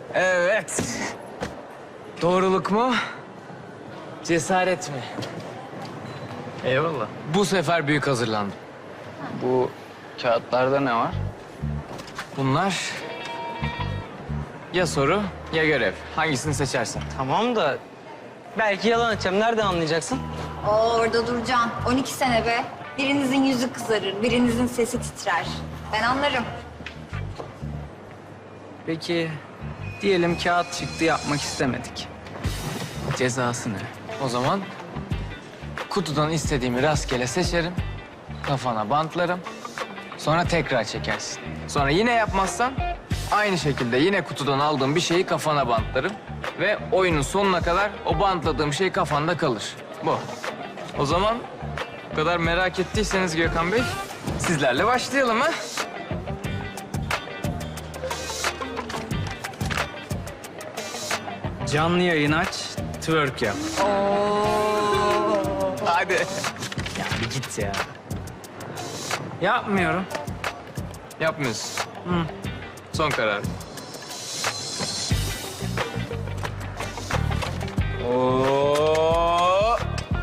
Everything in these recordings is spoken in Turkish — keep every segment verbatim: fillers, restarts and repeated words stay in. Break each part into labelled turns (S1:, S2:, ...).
S1: Evet. Doğruluk mu? Cesaret mi?
S2: Eyvallah.
S1: Bu sefer büyük hazırlandım.
S2: Bu kağıtlarda ne var?
S1: Bunlar ya soru ya görev. Hangisini seçersen.
S3: Tamam da belki yalan atacağım. Nereden anlayacaksın?
S4: Oo, orada duracaksın. on iki sene be. Birinizin yüzü kızarır, birinizin sesi titrer. Ben anlarım.
S2: Peki diyelim kağıt çıktı yapmak istemedik. Cezası ne?
S1: O zaman kutudan istediğimi rastgele seçerim. Kafana bantlarım. Sonra tekrar çekersin. Sonra yine yapmazsan aynı şekilde yine kutudan aldığım bir şeyi kafana bantlarım. Ve oyunun sonuna kadar o bantladığım şey kafanda kalır. Bu. O zaman bu kadar merak ettiyseniz Gökhan Bey, sizlerle başlayalım ha.
S2: Canlı yayın aç, twerk yap.
S1: Hadi.
S2: Ya bir git ya. Yapmıyorum.
S1: Yapmıyorsun. Hı. Son karar. Oo.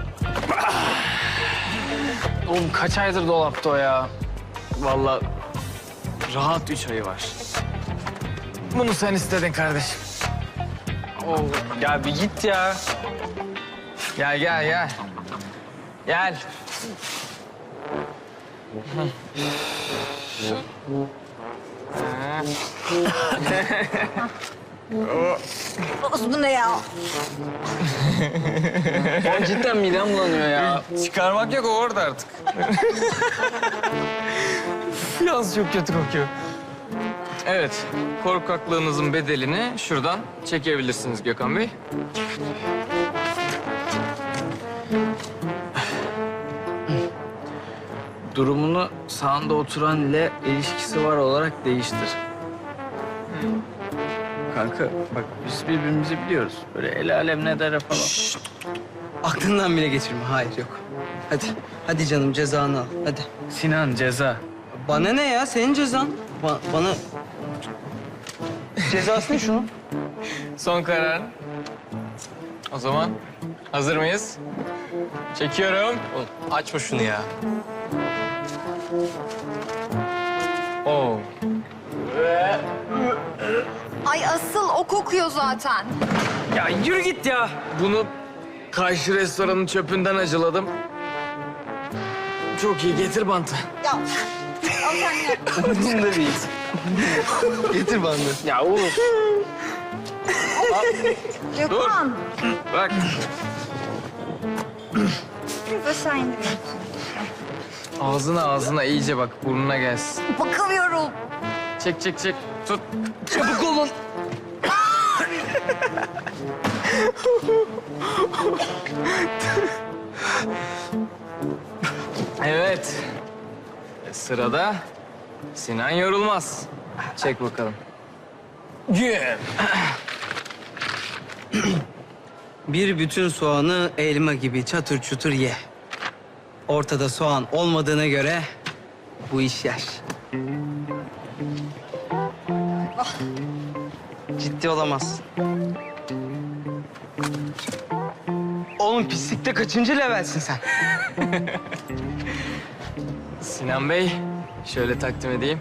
S2: Oğlum kaç aydır dolapta o ya?
S1: Vallahi rahat üç ayı var. Bunu sen istedin kardeşim.
S2: Oo, ya bir git ya.
S1: Gel gel gel. Gel.
S4: Oğuz, bu ne ya?
S2: Ya cidden midem bulanıyor ya.
S1: Çıkarmak yok, o orada artık. Yalnız çok kötü kokuyor. Evet, korkaklığınızın bedelini şuradan çekebilirsiniz Gökhan Bey.
S2: Durumunu sağında oturan ile ilişkisi var olarak değiştir. Kanka bak biz birbirimizi biliyoruz. Böyle el alem ne der falan.
S3: Aklından bile geçirme. Hayır, yok. Hadi, hadi canım cezanı al. Hadi.
S2: Sinan ceza.
S3: Bana ne ya? Senin cezan. Ba- bana... Cezası ne şunun?
S1: Son karar. O zaman hazır mıyız? Çekiyorum.
S3: Açma şunu ya.
S1: Oo.
S4: Ay asıl o kokuyor zaten.
S1: Ya yürü git ya. Bunu karşı restoranın çöpünden acıladım. Çok iyi, getir bantı.
S4: Ya. Al sen ya.
S3: Umurumda değil. Getir bandı.
S2: Ya oğlum.
S4: Gökhan.
S1: Bak.
S4: Aşağı indiriyorsun.
S1: Ağzına ağzına iyice bak, burnuna gelsin.
S4: Bakamıyorum.
S1: Çek çek çek. Tut.
S3: Çabuk olun.
S1: Evet. Sırada Sinan Yorulmaz. Çek bakalım. Güm.
S3: Bir bütün soğanı elma gibi çatır çutur ye. Ortada soğan olmadığına göre bu iş yer. Ciddi olamazsın. Oğlum pislikte kaçıncı levelsin sen?
S1: Sinan Bey, şöyle takdim edeyim.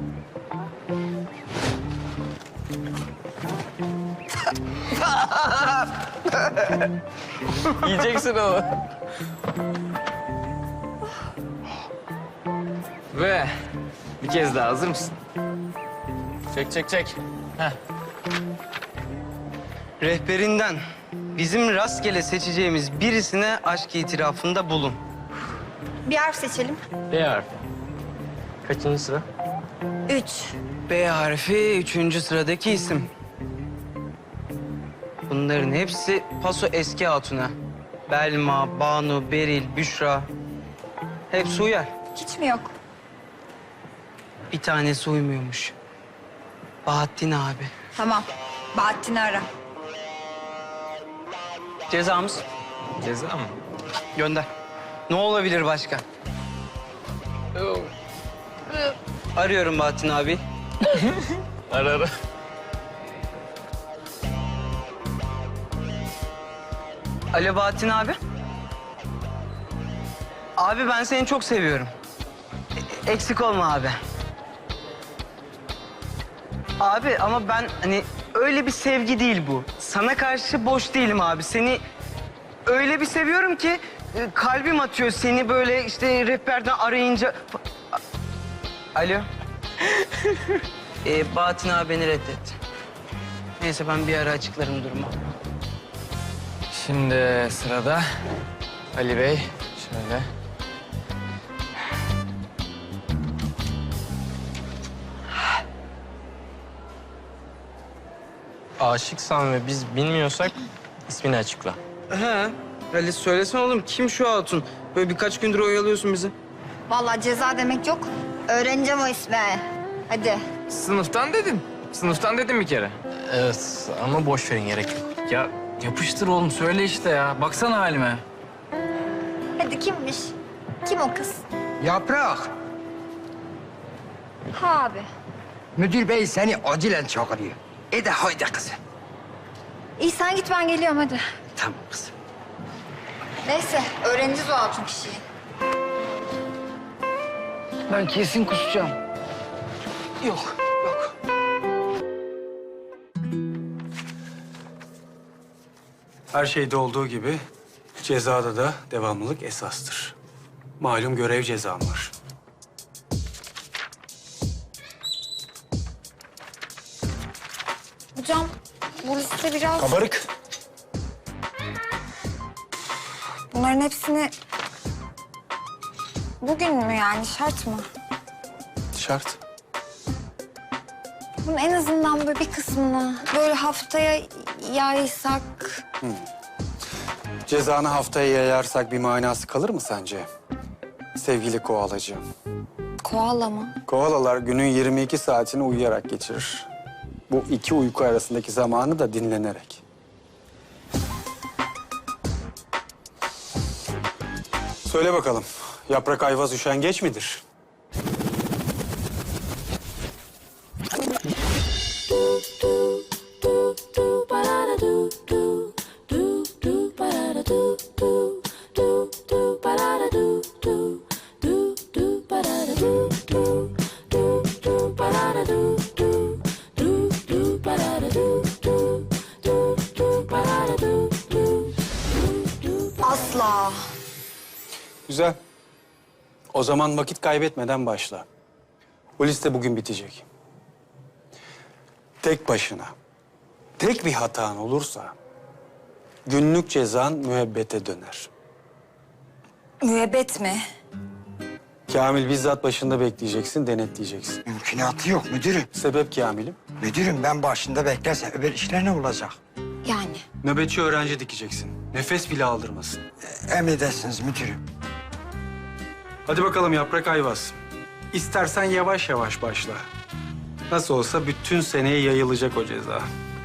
S1: Yiyeceksin onu. Ve bir kez daha, hazır mısın? Çek çek çek. Heh.
S3: Rehberinden bizim rastgele seçeceğimiz birisine aşk itirafında bulun.
S4: Bir harf seçelim.
S1: B harfi. Kaçıncı sıra?
S4: Üç.
S3: B harfi üçüncü sıradaki isim. Bunların hepsi Paso eski hatuna. Belma, Banu, Beril, Büşra. Hepsi uyar.
S4: Hiç mi yok?
S3: Bir tanesi uymuyormuş. Bahattin abi.
S4: Tamam. Bahattin'i ara.
S3: Cezamız
S1: Ceza mı?
S3: gönder. Ne olabilir başka? Arıyorum Bahattin abi.
S1: Ara ara.
S3: Alo Bahattin abi. Abi ben seni çok seviyorum. E- eksik olma abi. Abi ama ben hani öyle bir sevgi değil bu. Sana karşı boş değilim abi. Seni öyle bir seviyorum ki e, kalbim atıyor seni böyle işte rehberden arayınca. A- Alo. ee, Bahattin abi beni reddetti. Neyse ben bir ara açıklarım durumu.
S1: Şimdi sırada Ali Bey. Şöyle.
S5: Aşıksan ve biz bilmiyorsak ismini açıkla.
S3: He. Ali söylesene oğlum kim şu hatun? Böyle birkaç gündür oyalıyorsun bizi.
S4: Vallahi ceza demek yok. Öğreneceğim o ismi. Hadi.
S1: Sınıftan dedim. Sınıftan dedim bir kere.
S5: Evet ama boş verin, gerek yok.
S2: Ya yapıştır oğlum, söyle işte ya. Baksana halime.
S4: Hadi kimmiş? Kim o kız?
S6: Yaprak,
S4: Ha abi.
S6: müdür bey seni acilen çağırıyor. E de haydi kızım.
S4: İyi sen git ben geliyorum hadi.
S6: Tamam kızım.
S4: Neyse öğreneceğiz o altın kişiyi.
S6: Ben kesin kusacağım. Yok, yok.
S7: Her şeyde olduğu gibi cezada da devamlılık esastır. Malum görev cezam var.
S4: Hocam bu liste biraz...
S7: Kabarık.
S4: Bunların hepsini... Bugün mü yani şart mı?
S7: Şart.
S4: Bunun en azından böyle bir kısmını böyle haftaya yaysak...
S7: Cezanı haftaya yayarsak bir manası kalır mı sence? Sevgili koalacığım.
S4: Koala mı?
S7: Koalalar günün yirmi iki saatini uyuyarak geçirir. Bu iki uyku arasındaki zamanı da dinlenerek. Söyle bakalım, Yaprak Ayvaz üşengeç midir?
S4: Asla.
S7: Güzel. O zaman vakit kaybetmeden başla. Bu liste bugün bitecek. Tek başına, tek bir hatan olursa günlük cezan müebbete döner.
S4: Müebbet mi?
S7: Kamil bizzat başında bekleyeceksin, denetleyeceksin.
S6: Mümkünatı yok müdürüm.
S7: Sebep Kamil'im?
S6: Müdürüm ben başında beklersem öbür işler ne olacak?
S4: Yani.
S7: Nöbetçi öğrenci dikeceksin. Nefes bile aldırmasın.
S6: Emredersiniz müdürüm.
S7: Hadi bakalım Yaprak Ayvaz. İstersen yavaş yavaş başla. Nasıl olsa bütün seneye yayılacak o ceza.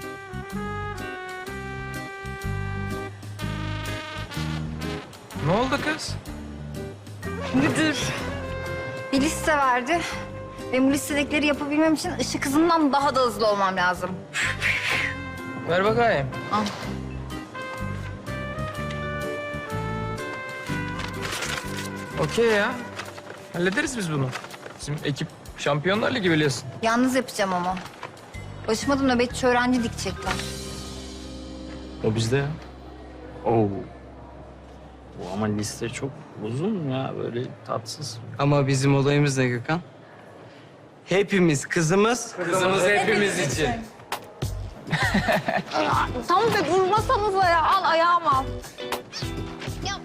S1: Ne oldu kız?
S4: Müdür. Bir liste verdi. Ve bu listedekileri yapabilmem için ışık hızından daha da hızlı olmam lazım.
S1: Ver bakayım.
S4: Al.
S1: Okey ya. Hallederiz biz bunu. Bizim ekip Şampiyonlar Ligi biliyorsun.
S4: Yalnız yapacağım ama. Başıma da nöbetçi öğrenci dikecekler.
S2: O bizde ya. Oo. Bu ama liste çok uzun ya, böyle tatsız.
S3: Ama bizim olayımız ne Gökhan? Hepimiz kızımız.
S1: Kızımız hepimiz için.
S4: Tam da vurmasanıza ya. Al ayağımı al. Ya.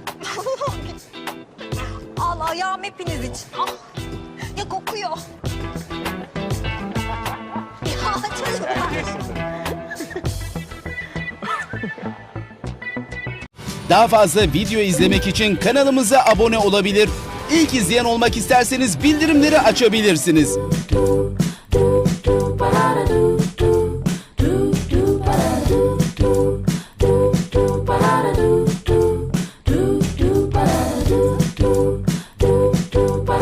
S4: Al ayağım hepiniz için. Al. Ya kokuyor. Ya çocuklar.
S8: Daha fazla video izlemek için kanalımıza abone olabilir. İlk izleyen olmak isterseniz bildirimleri açabilirsiniz.